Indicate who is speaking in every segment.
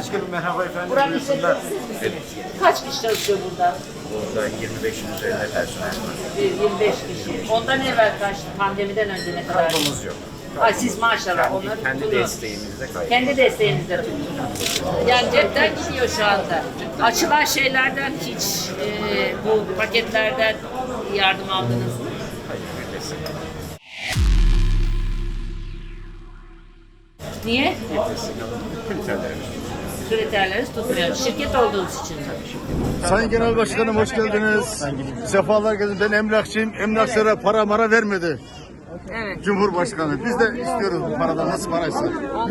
Speaker 1: Başkanım merhaba efendim.
Speaker 2: Buranın
Speaker 1: Buyursunlar.
Speaker 2: işletmecisi misiniz? Kaç kişi çalışıyor burada?
Speaker 1: Burada 25'in üzerinde personel var.
Speaker 2: 25 kişi. Ondan evvel kaçtı? Pandemiden önce ne kadar?
Speaker 1: Kaybımız yok.
Speaker 2: Ay siz maşallah onları
Speaker 1: Kendi
Speaker 2: tuttunuz.
Speaker 1: desteğimizle kaybımız.
Speaker 2: Kendi desteğinizle tuttunuz. Yani cepten gidiyor şu anda. Açılan şeylerden hiç bu paketlerden yardım aldınız mı?
Speaker 1: Hayır, bir destek.
Speaker 2: Niye?
Speaker 1: Kriterlerimiz.
Speaker 2: Kriterleriniz tutmuyor. Şirket olduğunuz için.
Speaker 3: Sayın Genel Başkanım hoş geldiniz. Sefalar geldiniz. Ben emlakçıyım. Emlakçılara para mara vermedi
Speaker 2: Evet.
Speaker 3: Cumhurbaşkanı. Biz de istiyoruz bu paradan. Nasıl paraysa.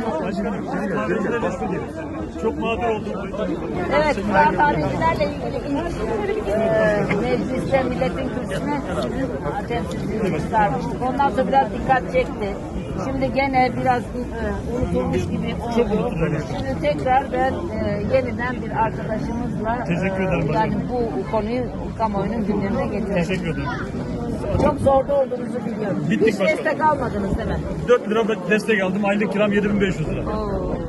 Speaker 4: Çok mağdur olduk.
Speaker 2: Evet, kıraathanecilerle ilgili ilk mecliste milletin kürsüsüne sizin temsilcinizi çıkarmıştık. Ondan sonra biraz dikkat çekti. Şimdi gene biraz unutulmuş gibi oldu. Şimdi tekrar ben yeniden bir arkadaşımızla yani bu konuyu kamuoyunun gündemine getirdim.
Speaker 4: Teşekkür ederim.
Speaker 2: Çok zorda olduğunuzu biliyorum.
Speaker 4: Bittik
Speaker 2: Hiç
Speaker 4: başkanım.
Speaker 2: destek almadınız değil mi?
Speaker 4: 4 lira destek aldım. Aylık kiram 7500 lira.
Speaker 2: Oo.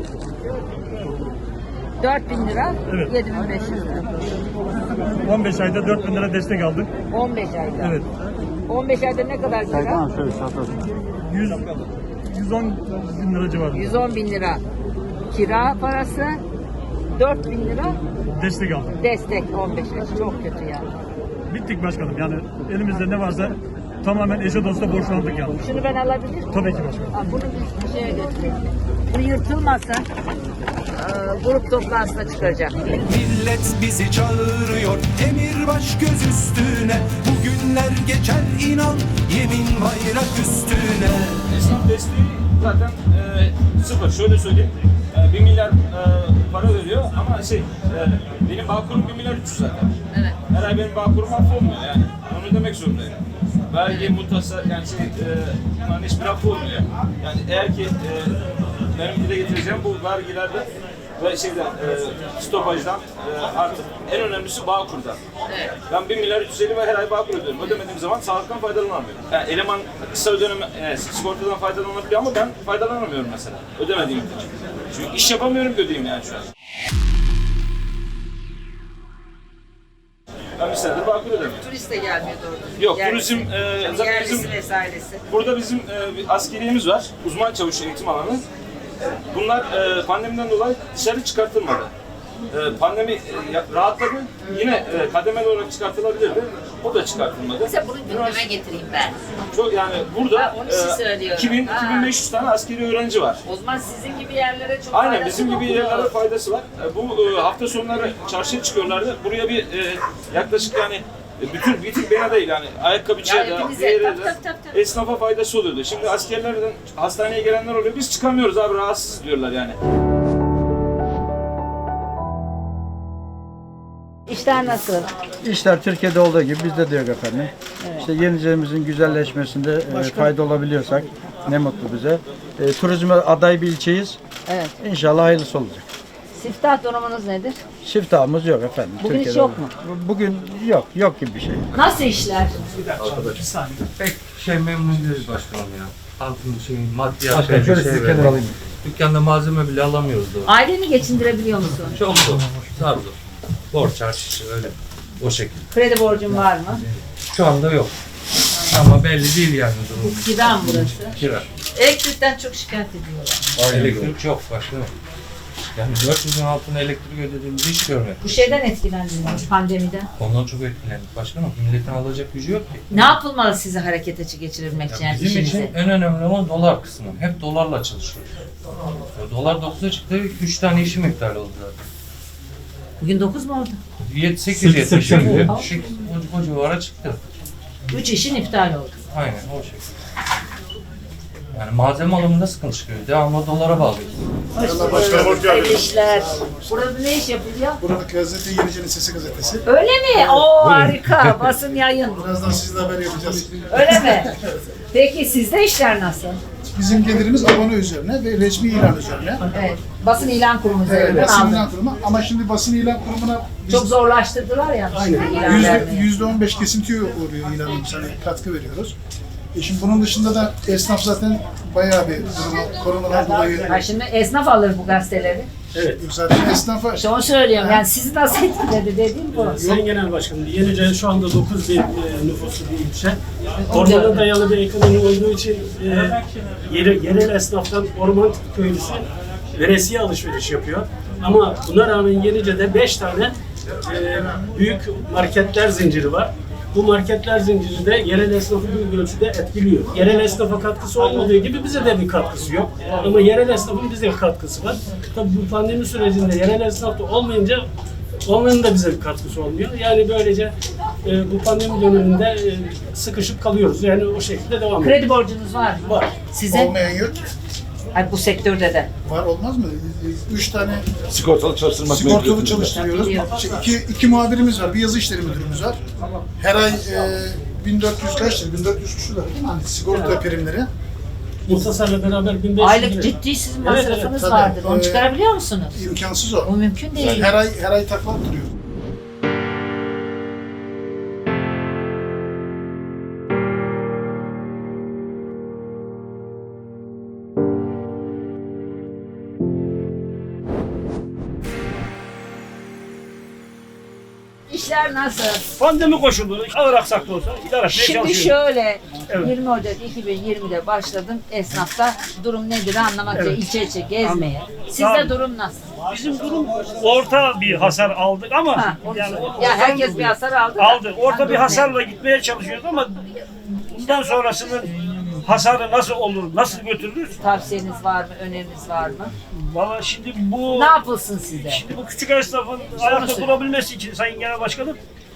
Speaker 2: 4.000 lira,
Speaker 4: Evet.
Speaker 2: 7.500 lira.
Speaker 4: 15 ayda 4000 lira destek aldık.
Speaker 2: 15 ayda.
Speaker 4: Evet.
Speaker 2: 15 ayda ne kadar kira?
Speaker 4: 100 110 bin lira civarında
Speaker 2: 110 bin lira kira parası, 4 bin lira
Speaker 4: destek aldık.
Speaker 2: destek 15 ay. Çok kötü ya.
Speaker 4: Bittik başkanım. Yani elimizde ne varsa tamamen eşe dosta borçlandık yani.
Speaker 2: Şunu ben alabilir miyim?
Speaker 4: Tabii ki başkanım.
Speaker 2: Aa, bunu bir şeye götürelim. Bu yırtılmasa grup toplantısına çıkaracak.
Speaker 5: Millet bizi çağırıyor, emir baş göz üstüne. Bugünler geçer inan, yemin bayrak üstüne.
Speaker 6: Esnaf desteği zaten sıfır. Şöyle söyleyeyim, 1 milyar para veriyor ama benim Bağkur'um 1 milyar 300 zaten.
Speaker 2: Evet.
Speaker 6: Her ay benim Bağkur'um affolmuyor yani. Onu demek zorundayım. Vergi, muhtasar, yani bunların hiçbir affı olmuyor. Yani eğer ki benim dile getireceğim bu vergilerden ve stopajdan artık en önemlisi Bağkur'dan.
Speaker 2: Evet.
Speaker 6: Ben 1 milyar 350 ve her ay Bağkur ödüyorum. Ödemediğim zaman sağlıktan faydalanamıyorum. Yani eleman kısa sigortadan faydalanabiliyor ama ben faydalanamıyorum mesela. Ödemediğim için. Çünkü iş yapamıyorum ki ödeyeyim yani şu an. Ben bir senedir Bağkur ödemiyorum.
Speaker 2: Turist de gelmiyor doğru.
Speaker 6: Yok,
Speaker 2: Yerlisi.
Speaker 6: turizm zaten
Speaker 2: Yerlisi
Speaker 6: bizim
Speaker 2: vesairesi.
Speaker 6: burada bizim bir askeriyemiz var. Uzman çavuş eğitim alanı. Bunlar pandemiden dolayı dışarı çıkartılmadı. Pandemi rahatladı. Yine kademeli olarak çıkartılabilirdi. O da çıkartılmadı.
Speaker 2: Mesela bunu gündeme getireyim ben.
Speaker 6: Çok yani burada
Speaker 2: Ha, onun için söylüyorum.
Speaker 6: 2500 tane askeri öğrenci var.
Speaker 2: O zaman sizin gibi yerlere çok
Speaker 6: Aynen
Speaker 2: faydası
Speaker 6: bizim gibi
Speaker 2: dokunuyor.
Speaker 6: yerlere faydası var. Bu hafta sonları çarşıya çıkıyorlardı. Buraya bir yaklaşık yani bir tek bana değil yani ayakkabıcıya
Speaker 2: Ya
Speaker 6: da
Speaker 2: hepinize,
Speaker 6: diğer
Speaker 2: tabii.
Speaker 6: esnafa faydası oluyordu. Şimdi askerlerden hastaneye gelenler oluyor. Biz çıkamıyoruz abi rahatsız diyorlar yani.
Speaker 2: İşler nasıl?
Speaker 7: İşler Türkiye'de olduğu gibi bizde de yok efendim. İşte Yenice'mizin güzelleşmesinde fayda olabiliyorsak ne mutlu bize. Turizme aday bir ilçeyiz.
Speaker 2: Evet.
Speaker 7: İnşallah hayırlısı olacak.
Speaker 2: Siftah durumunuz nedir?
Speaker 7: Şiftahımız yok efendim.
Speaker 2: Bugün hiç
Speaker 7: Türkiye'de
Speaker 2: yok
Speaker 7: olduğu
Speaker 2: mu?
Speaker 7: gibi. Bugün yok gibi bir şey.
Speaker 2: Nasıl işler?
Speaker 8: Pek memnun değiliz başkanım ya. Halkın maddiyat şöyle dükkanda malzeme bile alamıyoruz da.
Speaker 2: Aileni geçindirebiliyor musun?
Speaker 8: Çok zor. Zar zor. Borç harç öyle. O şekilde.
Speaker 2: Kredi borcun var mı?
Speaker 8: Şu anda yok. Ama belli değil yani durum.
Speaker 2: Kira mı burası?
Speaker 8: Kira.
Speaker 2: Elektrikten çok şikayet ediyorlar.
Speaker 8: Elektrik yok başkanım. Yani 400'ün altına elektrik ödediğimizi hiç görmedim.
Speaker 2: Bu şeyden etkilendiniz pandemiden.
Speaker 8: Ondan çok etkilendik başkanım. Milletin alacak gücü yok ki.
Speaker 2: Ne yapılmalı sizi harekete geçirebilmek için?
Speaker 8: Ya
Speaker 2: Yani
Speaker 8: bizim
Speaker 2: işinizi?
Speaker 8: için en önemli olan dolar kısmı. Hep dolarla çalışıyoruz. Ya dolar 9'a çıktı, 3 tane işim iptal oldu zaten.
Speaker 2: Bugün 9 mu oldu?
Speaker 8: 8-70 gibi o civara çıktı.
Speaker 2: 3 işin iptal oldu.
Speaker 8: Aynen o şekilde. Yani malzeme alımında sıkıntı çıkıyor. Devamlı dolara bağlıyız.
Speaker 3: Başkanım hoş geldiniz.
Speaker 2: Hayırlı işler. Burada ne iş yapılıyor?
Speaker 3: Buranın gazete Yenice'nin Sesi gazetesi.
Speaker 2: Öyle mi? Oo harika. Basın yayın.
Speaker 3: Birazdan sizle haber yapacağız.
Speaker 2: Öyle mi? Peki sizde işler nasıl?
Speaker 3: Bizim gelirimiz abone üzerine ve resmi ilan üzerine.
Speaker 2: Evet. Basın ilan kurumu üzerinden
Speaker 3: Basın
Speaker 2: aldım.
Speaker 3: ilan kurumu ama şimdi basın ilan kurumuna biz
Speaker 2: Çok zorlaştırdılar ya.
Speaker 3: aynen
Speaker 2: ilan vermeyi.
Speaker 3: %15 kesintiye uğruyor ilanımız. Hani katkı veriyoruz. Şimdi bunun dışında da esnaf zaten bayağı bir durumu koronadan dolayı
Speaker 2: Ha, şimdi esnaf alır bu gazeteleri.
Speaker 9: Evet. Zaten esnafa
Speaker 2: İşte onu söylüyorum. Yani sizi nasıl etkiledi dediğim bu.
Speaker 9: Sayın Genel Başkanım, Yenice şu anda 9 bin nüfuslu bir ilçe. Ormana dayalı bir ekonomi olduğu için yerel esnaftan orman köylüsü veresiye alışveriş yapıyor. Ama buna rağmen Yenice'de 5 tane büyük marketler zinciri var. Bu marketler zinciri de yerel esnafı büyük ölçüde etkiliyor. Yerel esnafa katkısı olmadığı gibi bize de bir katkısı yok. Ama yerel esnafın bize katkısı var. Tabii bu pandemi sürecinde yerel esnaf da olmayınca onların da bize bir katkısı olmuyor. Yani böylece bu pandemi döneminde sıkışıp kalıyoruz. Yani o şekilde devam ediyor.
Speaker 2: Kredi borcunuz var mı?
Speaker 9: Var.
Speaker 2: Size?
Speaker 10: Olmayan yok ki.
Speaker 2: Hayır, bu sektörde de.
Speaker 10: Var olmaz mı? 3 tane
Speaker 3: Sigortalı çalıştırmak
Speaker 10: sigortalı çalıştırıyoruz. İki muhabirimiz var. Bir yazı işleri müdürümüz var. Her ay 1400 kaçtır? 1400 küsur lira değil mi? Hani sigorta primleri.
Speaker 9: Muhtasarla beraber 1500
Speaker 2: Aylık
Speaker 9: lira.
Speaker 2: ciddi sizin
Speaker 9: Evet,
Speaker 2: masrafınız
Speaker 10: tabii.
Speaker 2: vardır. Onu çıkarabiliyor musunuz?
Speaker 10: İmkansız o.
Speaker 2: O mümkün değil.
Speaker 10: Yani her ay takla attırıyor.
Speaker 2: İşler nasıl?
Speaker 4: Pandemi koşulları ağır aksaklı olsa idare etmeye
Speaker 2: Şimdi
Speaker 4: çalışıyoruz.
Speaker 2: şöyle,
Speaker 4: Evet.
Speaker 2: 20 Ocak 2020'de başladım esnafta durum nedir anlamak için ilçe içe gezmeye. Sizde
Speaker 4: Tamam.
Speaker 2: durum nasıl?
Speaker 4: Bizim durum orta bir hasar aldık ama
Speaker 2: Ha, onu
Speaker 4: yani
Speaker 2: söyle. Ya herkes bir hasar aldı. da.
Speaker 4: aldı. Orta
Speaker 2: Ben
Speaker 4: bir
Speaker 2: de
Speaker 4: hasarla gitmeye çalışıyoruz ama bundan sonrasının hasarı nasıl olur, nasıl götürülür?
Speaker 2: Tavsiyeniz var mı, öneriniz var mı?
Speaker 4: Valla şimdi bu
Speaker 2: Ne yapılsın size?
Speaker 4: şimdi bu küçük esnafın ayakta
Speaker 2: söyle.
Speaker 4: durabilmesi için Sayın Genel Başkanım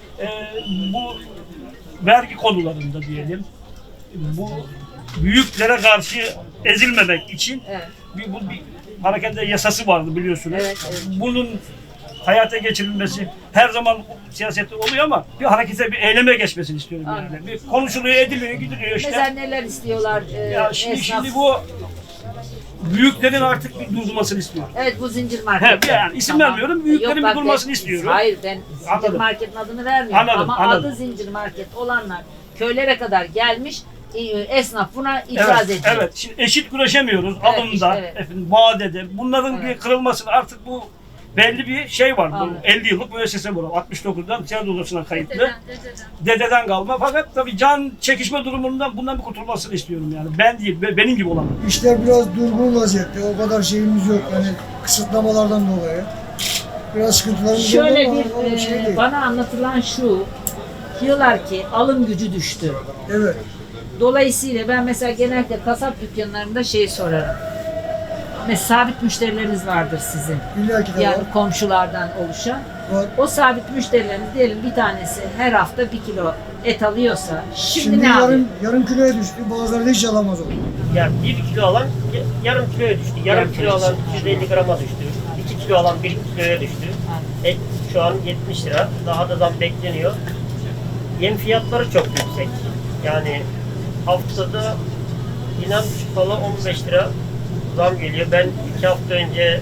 Speaker 4: bu vergi konularında diyelim bu büyüklere karşı ezilmemek için
Speaker 2: Evet.
Speaker 4: bir harekette yasası vardı biliyorsunuz.
Speaker 2: Evet, evet.
Speaker 4: Bunun hayata geçirilmesi her zaman siyasette oluyor ama bir harekete, bir eyleme geçmesini istiyorum yani.
Speaker 2: Anladım.
Speaker 4: Bir konuşuluyor, ediliyor, gidiliyor işte.
Speaker 2: Mesela neler istiyorlar
Speaker 4: Ya şimdi,
Speaker 2: esnaf?
Speaker 4: şimdi bu büyüklerin artık bir durmasını istiyorum.
Speaker 2: Evet, bu zincir market.
Speaker 4: He, yani isim vermiyorum, büyüklerin bir
Speaker 2: bak,
Speaker 4: durmasını
Speaker 2: ben-
Speaker 4: istiyorum.
Speaker 2: Hayır, ben zincir
Speaker 4: Anladım.
Speaker 2: marketin adını vermiyorum
Speaker 4: Anladım,
Speaker 2: ama
Speaker 4: anladım.
Speaker 2: adı zincir market olanlar köylere kadar gelmiş, esnaf buna itiraz
Speaker 4: Evet,
Speaker 2: ediyor.
Speaker 4: evet. Şimdi eşit güreşemiyoruz
Speaker 2: Evet,
Speaker 4: alımda,
Speaker 2: işte, evet.
Speaker 4: efendim, vadede. Bunların
Speaker 2: Evet.
Speaker 4: bir kırılmasını artık bu belli bir şey var. Bu
Speaker 2: Anladım.
Speaker 4: 50 yıllık müessese bu. 69'dan ticaret odasına kayıtlı. Dededen kalma. Fakat tabii can çekişme durumundan bundan bir kurtulmasını istiyorum yani. Ben değil, benim gibi olan.
Speaker 11: İşler biraz durgun vaziyette. O kadar şeyimiz yok. Yani kısıtlamalardan dolayı. Biraz sıkıntılarımız
Speaker 2: Şöyle
Speaker 11: oldu
Speaker 2: bir
Speaker 11: ama o şey değil.
Speaker 2: bana anlatılan şu, diyorlar ki alım gücü düştü.
Speaker 11: Evet.
Speaker 2: Dolayısıyla ben mesela genellikle kasap dükkanlarında şey sorarım. Mesela sabit müşterileriniz vardır sizin.
Speaker 11: İlla ki de
Speaker 2: Yani
Speaker 11: var.
Speaker 2: komşulardan oluşan.
Speaker 11: Var.
Speaker 2: O sabit müşterileriniz diyelim bir tanesi her hafta 1 kilo et alıyorsa şimdi,
Speaker 11: Şimdi
Speaker 2: ne yapıyor?
Speaker 11: yarım kiloya düştü. Bazıları da hiç alamaz o.
Speaker 12: Yani 1 kilo alan yarım kiloya düştü. Yarım kilo alan 250 grama düştü. 2 kilo alan 1 kiloya düştü. Et şu an 70 lira. Daha da zam bekleniyor. Yem fiyatları çok yüksek. Yani haftada inan falan 15 lira zam geliyor. Ben 2 hafta önce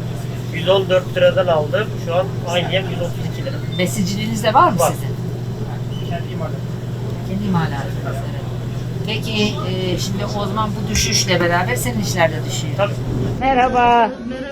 Speaker 12: 114 liradan aldım. Şu an aynı yem 132 lira.
Speaker 2: Besiciliğiniz de var mı
Speaker 12: Var.
Speaker 2: sizin?
Speaker 12: Kendi imalatım.
Speaker 2: Kendi imalatınız, evet. Peki şimdi o zaman bu düşüşle beraber senin işler de düşüyor.
Speaker 12: Tabii.
Speaker 2: Merhaba.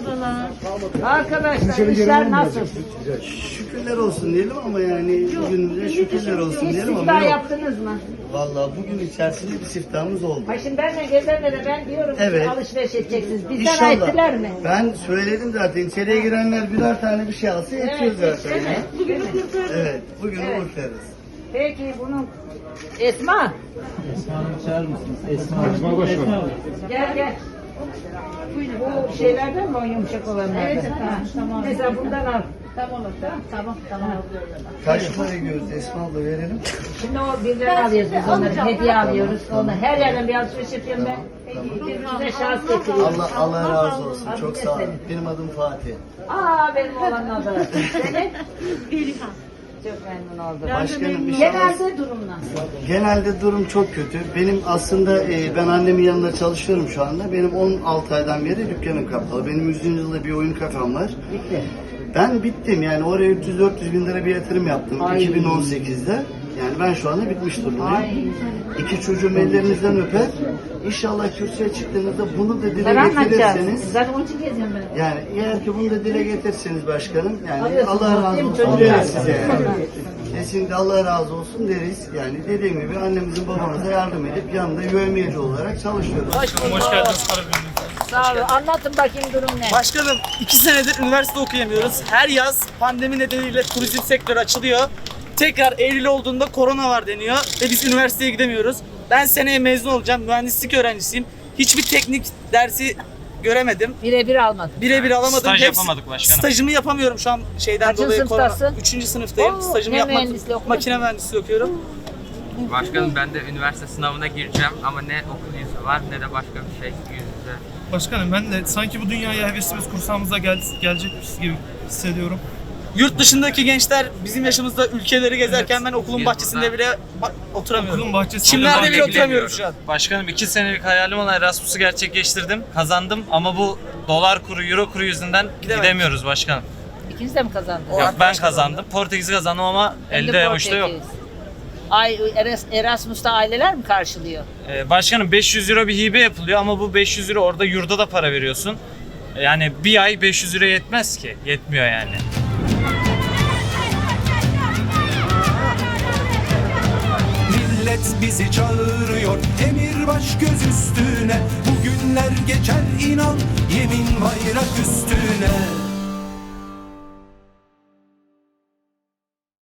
Speaker 2: Arkadaşlar işler nasıl?
Speaker 13: Şükürler olsun diyelim ama yani bugünümüze şükürler olsun
Speaker 2: Hiç
Speaker 13: diyelim ama
Speaker 2: siftah
Speaker 13: yok.
Speaker 2: yaptınız mı?
Speaker 13: Vallahi bugün içerisinde bir siftahımız oldu.
Speaker 2: Ha şimdi benle gezerle de ben diyorum
Speaker 13: Evet.
Speaker 2: ki alışveriş edeceksiniz. Bizden
Speaker 13: İnşallah.
Speaker 2: ettiler mi?
Speaker 13: Ben söyledim zaten içeriye girenler birer tane bir şey alsa yetiyor zaten.
Speaker 2: değil mi?
Speaker 13: ya.
Speaker 2: Değil mi?
Speaker 13: Evet, bugün
Speaker 2: Evet.
Speaker 13: kurtarırız.
Speaker 2: Peki bunun Esma.
Speaker 3: Esma Başkanım.
Speaker 2: Gel gel. Bu şeylerden mi o yumuşak olanlardan? Evet, tamam. Mesela bundan al. Tamam.
Speaker 13: Kaç para göz Esma abla verelim?
Speaker 2: Şimdi o birden alıyoruz biz onları. Hediye alıyoruz. Onları her yerden bir alışveriş yapıyorum ben. Size şans getiriyorum.
Speaker 13: Allah razı olsun.
Speaker 2: Adın
Speaker 13: Çok
Speaker 2: ne
Speaker 13: sağ olun.
Speaker 2: senin?
Speaker 13: Benim adım Fatih.
Speaker 2: Benim oğlanın adı. Senin? Çok memnun oldum.
Speaker 13: Başkanım inşallah.
Speaker 2: Genelde durum nasıl?
Speaker 13: Genelde durum çok kötü. Benim aslında ben annemin yanında çalışıyorum şu anda. Benim 16 aydan beri dükkanım kapalı. Benim 100. yılda bir oyun kafem var.
Speaker 2: Bitti.
Speaker 13: Ben bittim yani oraya 300-400 bin lira bir yatırım yaptım
Speaker 2: Ay.
Speaker 13: 2018'de. Yani ben şu anda bitmiş durumdayım.
Speaker 2: Ay.
Speaker 13: 2 çocuğum ellerinizden öper. İnşallah kürsüye çıktığınızda bunu da dile
Speaker 2: Ben anlatacağım.
Speaker 13: getirirseniz,
Speaker 2: Zaten onun için geziyorum ben.
Speaker 13: yani eğer ki bunu da dile getirirseniz başkanım, yani
Speaker 2: Alıyorsunuz,
Speaker 13: Allah razı
Speaker 2: değil mi?
Speaker 13: olsun
Speaker 2: Çocuk
Speaker 13: deriz
Speaker 2: lazım.
Speaker 13: size yani. Kesinlikle Allah razı olsun deriz. Yani dediğim gibi annemizin babamıza yardım edip yanında yövmiyeli olarak çalışıyoruz.
Speaker 2: Hoş geldiniz. Sağ olun. Anlatın bakayım durum ne?
Speaker 14: Başkanım 2 senedir üniversite okuyamıyoruz. Her yaz pandemi nedeniyle turizm sektörü açılıyor. Tekrar Eylül olduğunda korona var deniyor ve biz üniversiteye gidemiyoruz. Ben seneye mezun olacağım. Mühendislik öğrencisiyim. Hiçbir teknik dersi göremedim.
Speaker 2: Birebir almadım.
Speaker 14: Birebir alamadım.
Speaker 8: Staj
Speaker 14: Hepsi-
Speaker 8: yapamadık başkanım.
Speaker 14: Stajımı yapamıyorum şu an şeyden
Speaker 2: Kaçıncı
Speaker 14: dolayı.
Speaker 2: sınıftasın?
Speaker 14: 3. sınıftayım.
Speaker 2: Oo,
Speaker 14: Stajımı
Speaker 2: ne
Speaker 14: yapmak.
Speaker 2: mühendisliği okudun?
Speaker 14: Makine mühendisliği okuyorum.
Speaker 15: Başkanım ben de üniversite sınavına gireceğim ama ne okul yüzü var ne de başka bir şey yüz yüze.
Speaker 16: Başkanım ben de sanki bu dünyaya hevesimiz kursağımıza gelecekmiş gibi hissediyorum.
Speaker 14: Yurt dışındaki gençler bizim yaşımızda ülkeleri gezerken ben okulun
Speaker 15: Biz
Speaker 14: bahçesinde bile oturamıyorum.
Speaker 16: Okulun bahçesinde
Speaker 14: Çimlerde bile oturamıyorum şu an.
Speaker 8: Başkanım 2 senelik hayalim olan Erasmus'u gerçekleştirdim. Kazandım ama bu dolar kuru, euro kuru yüzünden gidemiyoruz başkanım.
Speaker 2: İkiniz de mi kazandınız?
Speaker 8: Yok ben kazandım. Portekiz'i kazandım ama
Speaker 2: Hem de
Speaker 8: elde avuçta yok.
Speaker 2: Portekiz. Erasmus'ta aileler mi karşılıyor?
Speaker 8: Başkanım 500 euro bir hibe yapılıyor ama bu 500 euro orada yurda da para veriyorsun. Yani bir ay 500 euro yetmez ki. Yetmiyor yani.
Speaker 5: Millet bizi çağırıyor, emir baş göz üstüne. Bugünler geçer inan, yemin bayrak üstüne.